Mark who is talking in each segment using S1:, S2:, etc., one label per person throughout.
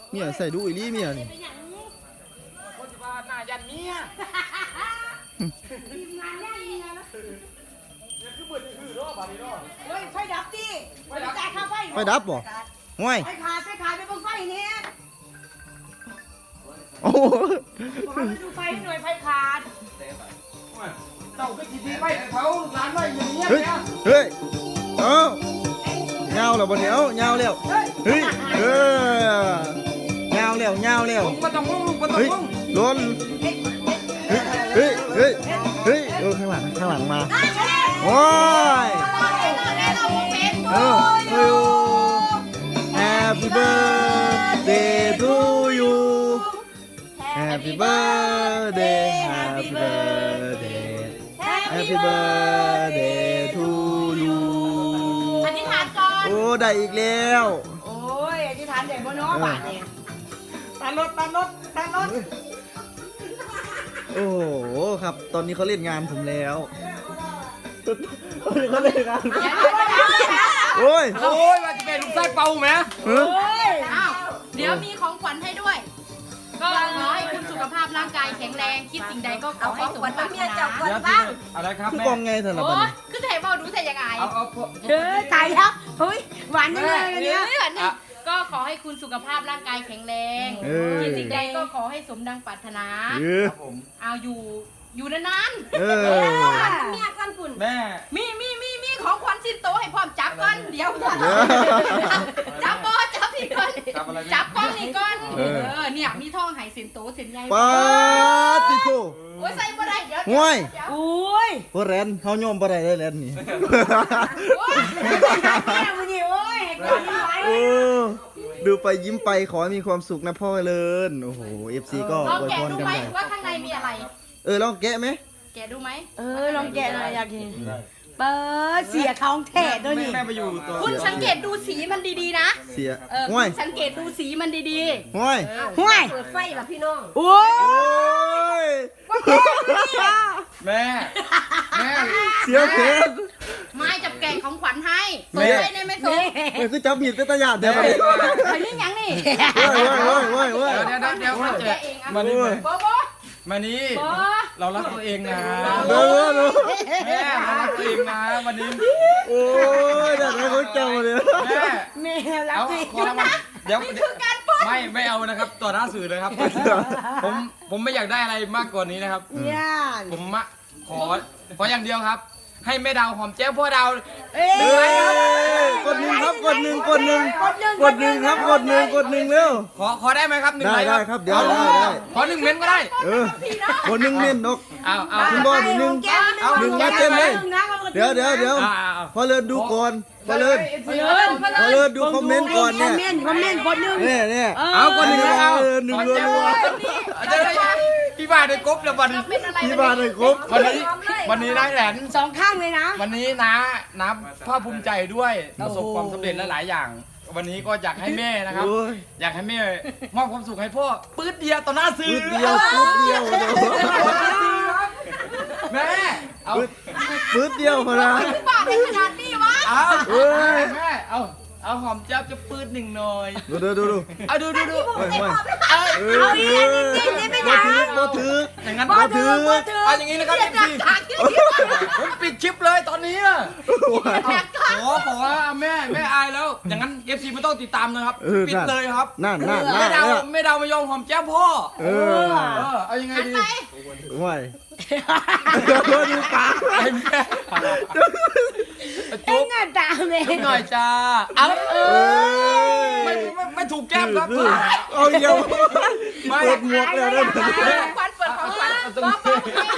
S1: เมียใส่ดูอีลี่เมียนี่
S2: คนที่ว่าหน้ายันเมีย
S3: ทีมงานย่างเมียนะ
S2: เนี่ยคือเหมือนคือรอบบานี้รอบ
S3: เฮ้ยไฟดับดิไฟจ่ายค่าไฟ
S1: ไฟดับบ่ห่วย
S3: ไฟขาดไปบนไฟนี้
S1: โอ้โห
S3: บอกให้ดูไฟหน่วยไฟขาด
S2: เต่าก็จีดีไปเขาร้านไว้อย่างนี้
S1: เฮ้ย
S2: เนี่ย
S1: เฮ้ยเอ้าเงาแล้วบ่เนี่ยเอ้าเงาแล้วเฮ้ยเงาแล้วเงาแล้ว
S2: ลุงมาต้องลุงลุงมาต้อง
S1: เฮ้ย
S2: ลุง
S1: ล้นเฮ้ยเฮ้ยเฮ้ยเฮ้ยข้างหลังมาโอ้ยเออเฮ้ย Happy birthday to you Happy birthday Happy birthday Happy birthday to you
S3: อธิษฐานก่อน
S1: โอ้ได้อีกแล้ว
S3: โอ้ยอธิษฐานใหญ่บนน้อบาทเนี่ยตันรถ
S1: โอ้โหครับ ตอนนี้เขาเล่นงานผมแล้วตอนนี้เขาเล่นงานโอ้ย
S2: โอ้ยว่าจะเป็นลูกไส้เป่าไหม
S1: เฮ้ย
S4: อ้าวเดี๋ยวมีของขวัญให้ด้วย ก็ขอให้คุณสุขภาพร่างกายแข็งแรง คิดสิ่งใดก็ขอให้สมปรารถนา
S2: เดี๋ยวอะไรครับ
S1: คือ
S2: แม่
S1: กองไงสำหรับ
S4: โอ้
S1: วัน
S4: ย
S1: นี้
S4: คือจะให้บอกดูแต่ยังไง
S2: เอา
S3: เฮ้ยตายแล้วเฮ้ยหวานจังเลยอัน
S4: เนื้
S3: เนี้ย
S4: อนี่ก็ขอให้คุณสุขภาพร่างกายแข็งแรง คิดสิ่งใดก็ขอให้สมดังปรารถนา
S2: ครับผม
S4: เอาอยู่นาน
S1: เออ
S4: ๆเมียกันคุณ
S2: แม่
S4: มีของขวัญสิ้นโตให้พร้อมจับก่อนเดี๋ยวจับพี่ก่อน
S2: จับอะไร
S4: จับก้อนนี่ก่อนเนี่ยมีท่องหายสินโตสินใหญ่
S1: ปาติโก
S4: โอ้ยใส่บ่ได้เดี๋ยว
S1: ห่วย
S3: โอ้ย
S1: พวกแรนเขาโยมบ่ได้เลยแรนนี่
S3: แม่มันนี่โอ้ยก่อนไหว
S1: โอ้ดูไปยิ้มไปขอให้มีความสุขนะพ่อเลินโอ้โห FC ก็
S4: ลอง
S1: อวย
S4: แกะ
S1: พร
S4: ดู
S1: กัน
S4: ไหม
S1: ไป
S4: ว่าข้างในมีอะไร
S1: ลองแกะไหม
S4: แกะดูไหม
S3: ลองแกะหน่อยอยากกินเปิดเสียท้องแท้ด้วยนี่
S2: แม่ไปอยู่ตัว
S4: คุณสังเกตดูสีมันดีๆนะ
S1: เสีย
S4: คุ
S1: ห่วย
S4: ณสังเกตดูสีมันดี
S1: ห่วย
S3: ห่วย
S4: เปิดไฟแบบพี่น้อง
S3: โอ้ย
S1: โอ้ย
S2: แม่แม่
S1: เสียเพชร
S4: ไม้จับแกะของขวัญให้
S1: แม่
S4: ส่งให้ในไม่ส่ง
S1: มันคือจับมีดเป็นตะหยาดเดี๋ยวมาดิ
S4: ไอ้นี่ยังนี่
S1: เว้ย
S2: เดี๋ยว
S4: แกะเองอ่ะ
S2: มานี่
S4: โบโบ
S2: มานี่เรารักตัวเองนะ
S1: เด้อ
S2: แม่เรารักตัวเองนะวันนี้
S1: โอ้ยเดี๋ยวให้เขาเจ้าเลย
S2: แม่
S3: แม่รัก
S2: เอา
S3: สิ
S2: ขอรางวัลเดี๋ยว
S4: นี่คือการปล้น
S2: ไม่เอานะครับต่อหน้าสื่อเลยครับ ผมไม่อยากได้อะไรมากกว่านี้นะครับ
S3: เนี่ย
S2: ผมขออย่างเดียวครับ ให้แม่ดาวหอมแก้มพ่อดาว
S3: เอ้ย
S1: กดหนึ่งครับกดหนึ่งครับกดหนึ่งเร็ว
S2: ขอได้ไหมครับหนึ่ง
S1: ได้
S2: ไลค์
S1: ได้
S2: ค
S1: ค
S2: รั
S1: รั
S2: บบ
S1: เดี๋ยวได้
S2: ขอหนึ่งเม้นต์ก็ได้
S1: กดหนึ่งเน้นนก
S2: เอา
S1: คุณบอลหนึ่ง หนึ่งมาเต็มเลย เดี๋ยวพอเลินดูก่อนพอเลินดูคอมเมนต์ก่อนเนี่ย
S3: คอมเมนต์คนหนึ่ง
S1: เนี่ย
S2: เอาคนหนึ่งเอา
S1: หนึ่งรัว
S2: พี่บ้านได้กบแล้ววัน
S4: เป็นอะไร
S1: ที่บ้านเลยครบ
S2: วันนี้ได้แหลน
S3: สองข้างเลยนะ
S2: วันนี้นะภาคภูมิใจด้วยประสบความสำเร็จหลายๆอย่าง วันนี้ก็อยากให้แม่นะครับ
S1: โอ้ย
S2: อยากให้แม่มอบความสุขให้พ่อปื๊ดเดียวต่อหน้าสื่อ
S1: ปึ๊ดเดียว
S2: แม่เอา
S1: ปึ๊ดเดียวพอนะ
S4: บาทในขนาดนี้วะ
S2: เอา
S1: เอ้ย
S2: แม่เอาหอมแจ๊บจะปื๊ดหนึ่งหน่อย
S1: ดู
S2: เอาดู
S1: เฮ้ย บ่ถือ
S2: อย่างนั้น
S3: บ่ถือ
S2: เอาอย่างนี้นะครับ FC ผมปิดคลิปเลยตอนนี้อะขอแม่อายแล้ว อย่างนั้น FC ไม่ต้องติดตามนะครับ ปิดเลยครับ
S1: นั่น
S2: ไม่ดาวไม่ยอมหอมแจ้มพ่อ เอายังไงดี
S1: ห่วยดูปาก
S2: ไอ้แม่
S3: เอ็
S2: จุ๊
S3: ง
S2: บ
S3: อ่ะตามเลย
S2: หน่อยจ้าเอาไม่ถูกแก้มครับ
S1: เอาเดียวเปิดหมวกแล้วได้ไหม
S4: ของขวัญเปิดของขวัญป๊อป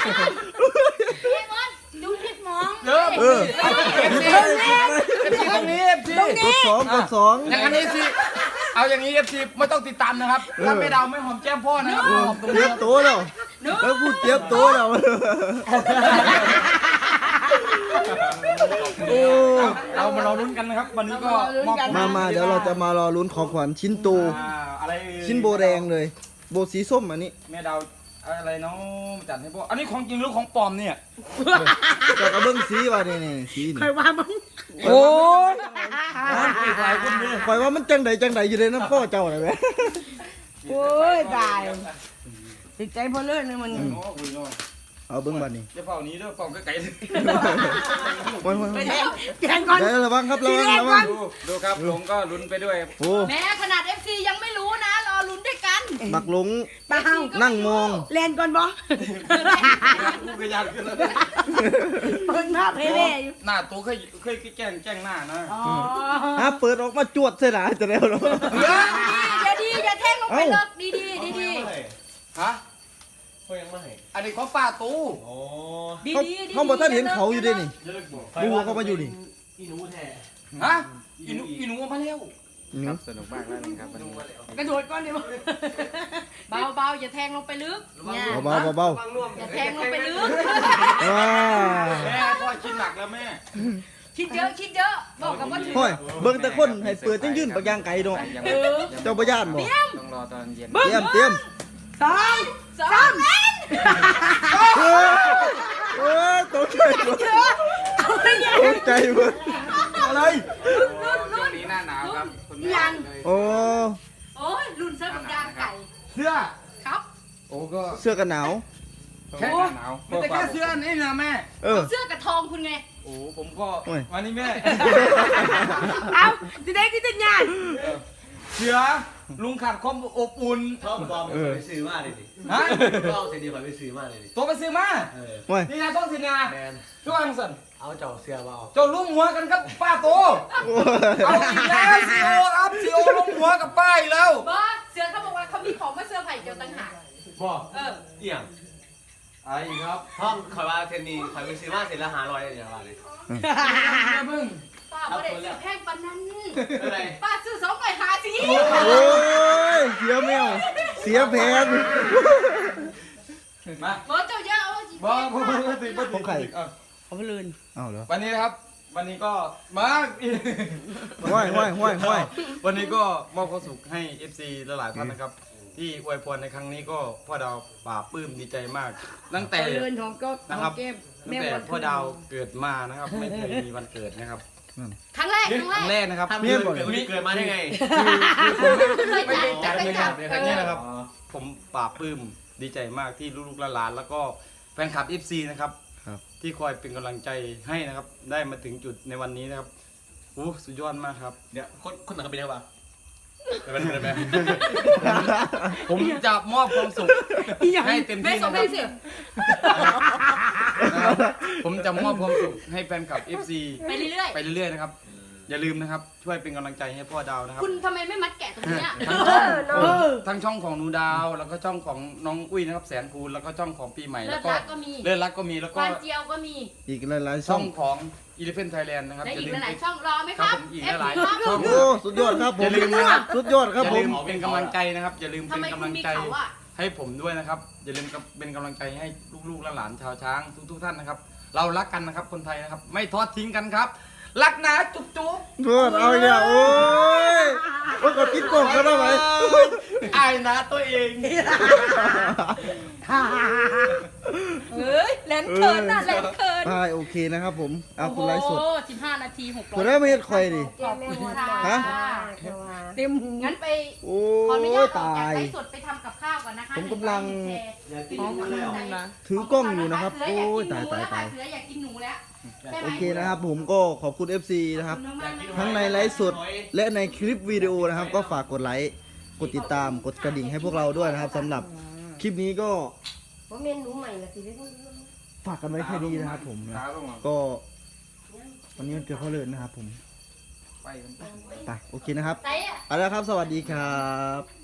S4: ดูผิดมอง
S2: เริ่ม FC ตรงนี้ FC
S1: กดสอง
S2: อย่างนี้สิเอาอย่างนี้ FC ไม่ต้องติดตามนะครับถ้าไม่ดาวไม่หอมแก้มพ่อนะครับหอมตรง
S1: เตรี
S2: นี้
S1: ยมตัวแล้วแล้วพูดเตรียมตัวแล้วโอ้
S2: เรามารอลุ้นกันนะครับ วันนี้ก็มอบ
S1: มาเดี๋ยวเราจะมารอลุ้นของขวัญชิ้นโต
S2: อะไร
S1: ชิ้นโบแดงเลย โบสีส้มอันนี้
S2: แม่ดาวอะไรน้องจัดให้พ่ออันนี้ของจริงหรือของปลอมเนี่ย
S1: แต่กระเบื้องสีว่านี่สีนี่
S3: ใครว่ามึง
S1: โอ้ย
S2: หลายคนเลย
S1: คอยว่ามันจังใดอยู่เลยนะพ่อเจ้าอะไรไหม
S3: โอ้ยตายติดใจพอเลิศเลยมัน
S1: เอาเบิ้งบัดนี้
S2: จะเฝ้านี้ด้วยเฝ้าไกล
S1: โอ้ย
S3: ไปแทงแทงก่อน
S1: เดี๋ยวระวังครับระวังระวัง
S2: ดูครับหลงก็ลุ้นไปด้วย
S1: โอ้
S4: แม้ขนาด FC ยังไม่รู้นะรอลุ้นด้วยกัน
S1: บักหลง
S3: เปล่า
S1: นั่งมอง
S3: แลนก่อนบ่
S2: กูก็ยันขึ้นแล้ว
S3: เปิดภาพให้แม่อยู่
S2: หน้าตัวเคยแกล้งหน้านะ
S3: อ๋อ
S1: ฮะเปิดออกมาจวดเสียหนาจะแล้วเหรอ
S4: อย่าแทงลงไปเลิกดี
S2: ฮะ
S5: เขายังไม่ให้
S2: อันนี้ของป้าตู้
S5: โอ้
S4: ดี
S1: เขาบอกท่านเห็นเขาอยู่ด้วยนี่ ดูเขามาอยู่นี่
S5: อีหนูแท้
S2: ฮะอีหนูมาแล้ว
S1: นี่
S2: สนุกมากแล้วนะครับวันนี้
S3: กระโดดก่อนดิบ่
S4: เบาอย่าแทงลงไปลึกเนี่ย
S1: เบาเบา
S4: อย่าแทงลงไปลึก
S1: ว้า
S2: แม่พ่อคิดหนักแล้วแม่
S4: คิดเยอะบอกกับว่าถึง
S1: ห้อยเบิ่งแต่คนให้เปิดจังยื่นปากยางไก่เนาะเจ้าบ่ย่านบ่
S2: ต้องรอตอนเย็น
S1: เตรียมเตรียม
S3: สอง
S1: โอ้ยตกใจหมดตกใจหมดอะไร
S2: ช่วงนี้หน้าหนาวครับคุณแม่เลย
S1: โอ้
S4: โอ้ยรุ่นเสื้อกับยางไก่
S2: เสื้อ
S4: ครับ
S2: โอ้ก็
S1: เสื้อกันหนาว
S2: แค่หน้าหนาวไม่แต่แค่เสื้อนี่นะแม่
S1: เออ
S4: เสื้อกับทองคุณไง
S2: โอ้ผมก็
S1: โอ้ย
S2: วันนี้แม่
S3: เอาจะได้ที่จะงาน
S2: เสือลุงขาดความอบอุ่น
S5: ชอบปลอมไปซื้อมาเลยดิ
S2: ฮะ
S5: ก็เอาเสียดีไปซื้อมาเลยดิ
S2: ตัวไปซื้อมา
S1: โอ้ย
S2: นี่นะต้องสินา
S5: แมน
S2: ช่วงสัน
S5: เอาเจ้าเสียมาเอา
S2: เจ้าลุ่มหัวกันครับป้าโต
S1: โอ้
S2: เอา
S1: ย
S2: อีกแล้วซีโอครับซีโอลุ่มหัวกับป้าอีกแล้ว
S4: บอสเสือเขาบอกว่าเขามีของมาเสื้อร์ไผ่เกี่ยวต่างหาก
S5: บอก
S4: เออ
S5: เอี่ยง
S2: ไอ้ครับ
S5: ห้องคอยว่าเทนนีคอยไปซื้อมาเสร็จแล้ว500อย่างไรเลย
S2: มึง
S4: ป้าไม่ได้ซื้อแพงปานนั้น
S5: อะไร
S4: ป้าซื้อ250สิ
S1: โอ้ยเสียแมวเสียแผน
S2: มา
S4: บอสเจ้าเยอะเอาสิ
S2: บ้าบ้าติดบ้า
S1: ของใคร
S3: เขาไปลืน
S1: อ้าวเหรอ
S2: วันนี้นะครับ วันนี้ก็มา
S1: ห้อยห้อยห้อยห้อย
S2: วันนี้ก็มอบความสุขให้ FC หลายๆท่านนะครับ ที่อวยพรในครั้งนี้ก็พ่อดาวป่าบปลื้มดีใจมาก ตั้งแต่
S3: เขาลืนของก็
S2: นะครับ
S3: เก็บ
S2: ตั้งแต่พ่อดาวเกิดมานะครับ ไม่เคยมีวันเกิดนะครับ
S4: ครั้งแรก
S2: ครั้งแรกนะครับ
S5: ทำเรื่องเกิดมาได้ไง
S2: ไม่ได้จัดเลยครับ
S5: ไม่
S2: ค
S5: ได้จัด
S2: รั้งนี้นะครับ ผมป่าบปลื้มดีใจมากที่ลูกๆหลานๆแล้วก็แฟนคลับ FC นะครับ
S1: ครับ
S2: ที่คอยเป็นกำลังใจให้นะครับ ได้มาถึงจุดในวันนี้นะครับโอ้สุดยอดมากครับ
S5: เนี่ยคนหนังเป็นยังไงวะเป็นไง
S2: ผมจะมอบความสุขให้เต็ม
S4: ไม่
S2: ที่
S4: ส
S2: นะ
S4: ม
S2: ค
S4: เป็
S2: รับ
S4: นสิ
S2: นะครับผมจะมอบความสุขให้แฟนคลับ FC
S4: ไปเรื่อย
S2: ไปเรื่อยๆนะครับ อย่าลืมนะครับ ช่วยเป็นกำลังใจให้พ่อดาวนะครับ
S4: ๆคุณทำไมไม่มัดแกะตรงเนี้ย
S2: ทั้งช่องของหนูดาวแล้วก็ช่องของน้องอุ้ยนะครับแสนคูณแล้วก็ช่องของปีใหม่
S4: เลิ
S2: แล้ว
S4: ศ
S2: ก็
S4: รักก็มี
S2: เลื่อนรักก็มีแล้ว
S4: ค
S2: ก็
S4: วานเจียวก็มี
S1: อีกหลายๆช่
S2: ช่
S1: อ
S2: อง งของ Elephant Thailand นะครับ
S4: และ
S2: อย่า
S4: อีก
S2: ลืม
S4: หลายๆช่องรอไหม
S2: ค
S4: ค
S2: รั
S4: รั
S2: บบ ผมอีกหลาย
S4: FC
S2: ๆช่อง
S1: โอ้สุดยอดครับผม
S2: อย่าลืมนะครับ
S1: สุดยอดครับ
S2: อย่า
S1: ผ
S2: ลื
S1: ม
S2: มเป็นกำลังใจนะครับ อย่าลืม
S4: ทำ
S2: เป็น
S4: ไม
S2: กำ
S4: คุ
S2: ลั
S4: ณ
S2: ง
S4: มี
S2: ใจ
S4: เขาอ่ะ
S2: ให้ผมด้วยนะครับ อย่าลืมเป็นกำลังใจให้ลูกๆหลานๆชาวช้างทุกๆท่านนะครับ เรารักกันนะครับคนไทยนะครับ ไม่ทอดทิ้งกันครับ รักนะจุ๊บจุ๊บ
S1: โทษเอาเนี่ยโอ้ยโอ้ยก็คิดโกงกันได้ไหม
S2: อายนะตัวเอง
S4: เฮ้ยแหลมเขินน่ะแหลมเขิน
S1: ใช่โอเคนะครับผมเอาคุณไลฟ์สด
S4: โอ้โห15 นาที 600
S1: คุณได้ไม่เห็นคอยดิ
S4: ขอบคุณค่ะ
S1: ฮะ
S3: เต็มหู
S4: งั้นไป
S1: โอ้
S4: ขออนุญาตออก
S1: ตา
S4: จาก
S1: ย
S4: ไลฟ์สดไปทำกับข้าวก่อนนะคะ
S1: ผมกำลัง
S5: อยากกินหนูแล้ว
S1: ถือกล้องอยู่นะครับ โอ้ยตายตายตาย
S4: เสืออยากกินหนูแล้วใช่ไหม
S1: โอเคนะครับผมก็ขอบคุณ FC นะครับ
S4: ขอบคุณมากๆ
S1: ทั้งในไลฟ์สดและในคลิปวิดีโอนะครับ ก็ฝากกดไลค์กดติดตามกดกระดิ่งให้พวกเราด้วยนะครับสำหรับคลิปนี้ก็
S3: ว่าเมนูใหม่ละสิ
S1: ฝากกันไว้แค่นี้นะครับผมนะก็วันนี้มันเกิดข้อเลิศนะครับผม
S2: ไปกัน
S1: ไปโอเคนะครับ
S4: ไหนอะ
S1: เอาละครับสวัสดีครับ